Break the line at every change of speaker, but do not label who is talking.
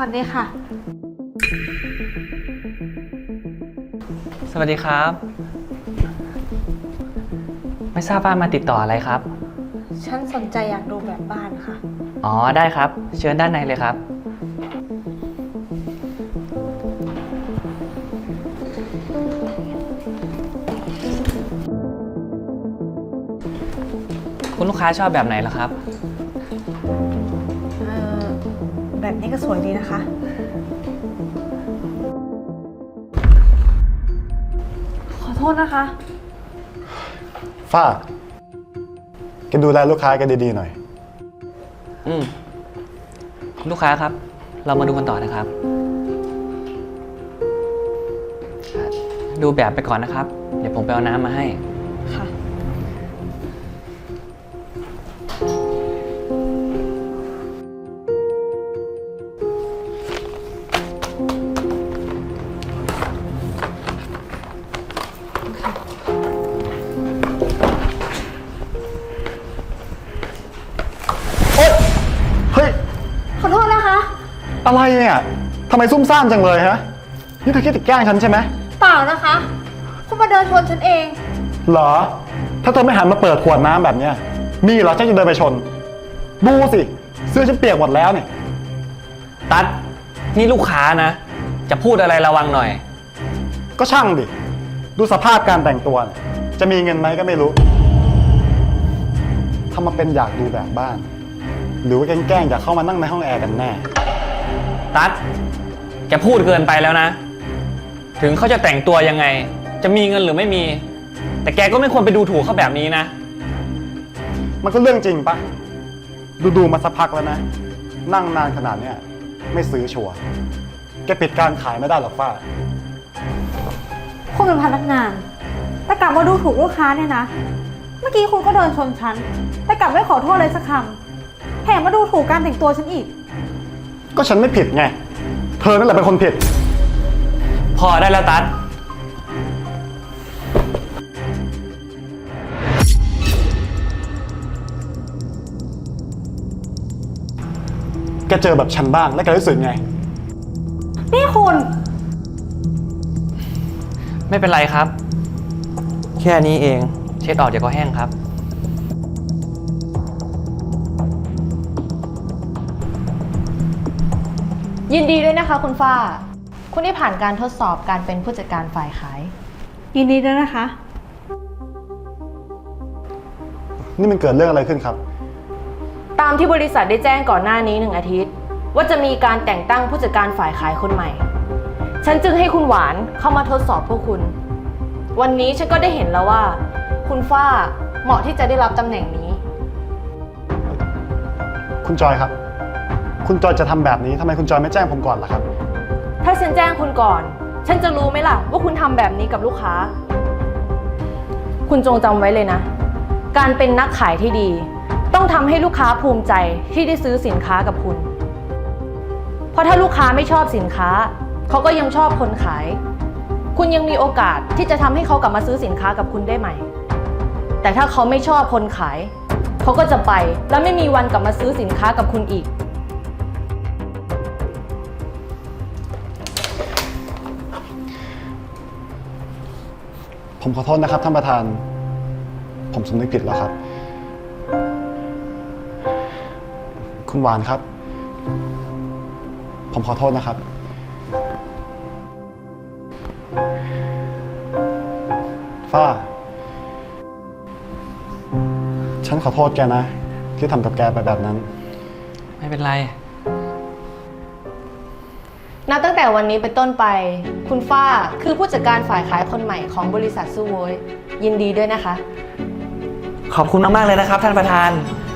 วัสดีค่ะ
สวัสดีครับ ไม่ทราบว่ามาติดต่ออะไรครับ
ฉันสนใจอยากดูแบบบ้านค่ะ
อ๋อได้ครับ เชิญด้านในเลยครับ คุณลูกค้าชอบแบบไหนล่ะครับ
แบบนี้ก็สวยดีนะคะ ขอโทษนะคะ
ฝ้าแกดูแลลูกค้าแกดีๆหน่อย
คุณลูกค้าครับ เรามาดูกันต่อนะครับ ดูแบบไปก่อนนะครับ เดี๋ยวผมไปเอาน้ำมาให้
ค่ะ
เฮ้ย
ขอโทษนะคะ
อะไรเนี่ยทำไมซุ่มซ่ามจังเลยฮะ นี่เธอคิดจะแกล้งฉันใช่ไหม
เปล่านะคะ คุณมาเดินชนฉันเอง
เหรอ ถ้าเธอไม่หันมาเปิดขวดน้ำแบบเนี้ยมีเหรอฉันจะเดินไปชน ดูสิ เสื้อฉันเปียกหมดแล้วเนี่ย
ตัดนี่ลูกค้านะ จะพูดอะไรระวังหน่อย
ก็ช่างดิ ดูสภาพการแต่งตัวเนี่ยจะมีเงินไหมก็ไม่รู้ทำมาเป็นอยากดูแบบบ้าน หรือว่าแกล้งอยากเข้ามานั่งในห้องแอร์กันแน่
ตัดแกพูดเกินไปแล้วนะ ถึงเขาจะแต่งตัวยังไง จะมีเงินหรือไม่มี แต่แกก็ไม่ควรไปดูถูกเขาแบบนี้นะ
มันก็เรื่องจริงปะดูมาสักพักแล้วนะ นั่งนานขนาดเนี้ยไม่ซื้อชัวร์แกปิดการขายไม่ได้หรอกฝ้า
คุณเป็นพนักงาน แต่กลับมาดูถูกลูกค้าเนี่ยนะ เมื่อกี้คุณก็เดินชนฉัน แต่กลับไม่ขอโทษเลยสักคำแถมมาดูถูกการแต่งตัวฉันอีก
ก็ฉันไม่ผิดไง เธอนั่นแหละเป็นคนผิด
พอได้แล้วตัด
แกเจอแบบฉันบ้างแล้วแกรู้สึกไง
นี่คุณ
ไม่เป็นไรครับ แค่นี้เอง เช็ดออกเดี๋ยวก็แห้งครับ
ยินดีด้วยนะคะคุณฝ้า คุณได้ผ่านการทดสอบการเป็นผู้จัดการฝ่ายขาย
ยินดีด้วยนะคะ
นี่มันเกิดเรื่องอะไรขึ้นครับ
ตามที่บริษัทได้แจ้งก่อนหน้านี้1 อาทิตย์ ว่าจะมีการแต่งตั้งผู้จัดการฝ่ายขายคนใหม่ ฉันจึงให้คุณหวานเข้ามาทดสอบพวกคุณ วันนี้ฉันก็ได้เห็นแล้วว่า คุณฝ้าเหมาะที่จะได้รับตำแหน่งนี้
คุณจอยครับ คุณจอยจะทำแบบนี้ทำไมคุณจอยไม่แจ้งผมก่อนล่ะครับ
ถ้าฉันแจ้งคุณก่อน ฉันจะรู้ไหมล่ะว่าคุณทำแบบนี้กับลูกค้า คุณจงจำไว้เลยนะ การเป็นนักขายที่ดี ต้องทำให้ลูกค้าภูมิใจที่ได้ซื้อสินค้ากับคุณ เพราะถ้าลูกค้าไม่ชอบสินค้า เขาก็ยังชอบคนขาย คุณยังมีโอกาสที่จะทำให้เขากลับมาซื้อสินค้ากับคุณได้ใหม่ แต่ถ้าเขาไม่ชอบคนขาย เขาก็จะไปและไม่มีวันกลับมาซื้อสินค้ากับคุณอีก
ผมขอโทษนะครับท่านประธาน ผมสำนึกผิดแล้วครับ คุณหวานครับ ผมขอโทษนะครับ ฝ้า ฉันขอโทษแกนะ ที่ทำกับแกไปแบบนั้น
ไม่เป็นไร
นับตั้งแต่วันนี้เป็นต้นไป คุณฝ้าคือผู้จัดการฝ่ายขายคนใหม่ของบริษัทซูโวยยินดีด้วยนะคะ
ขอบคุณมากๆเลยนะครับท่านประธาน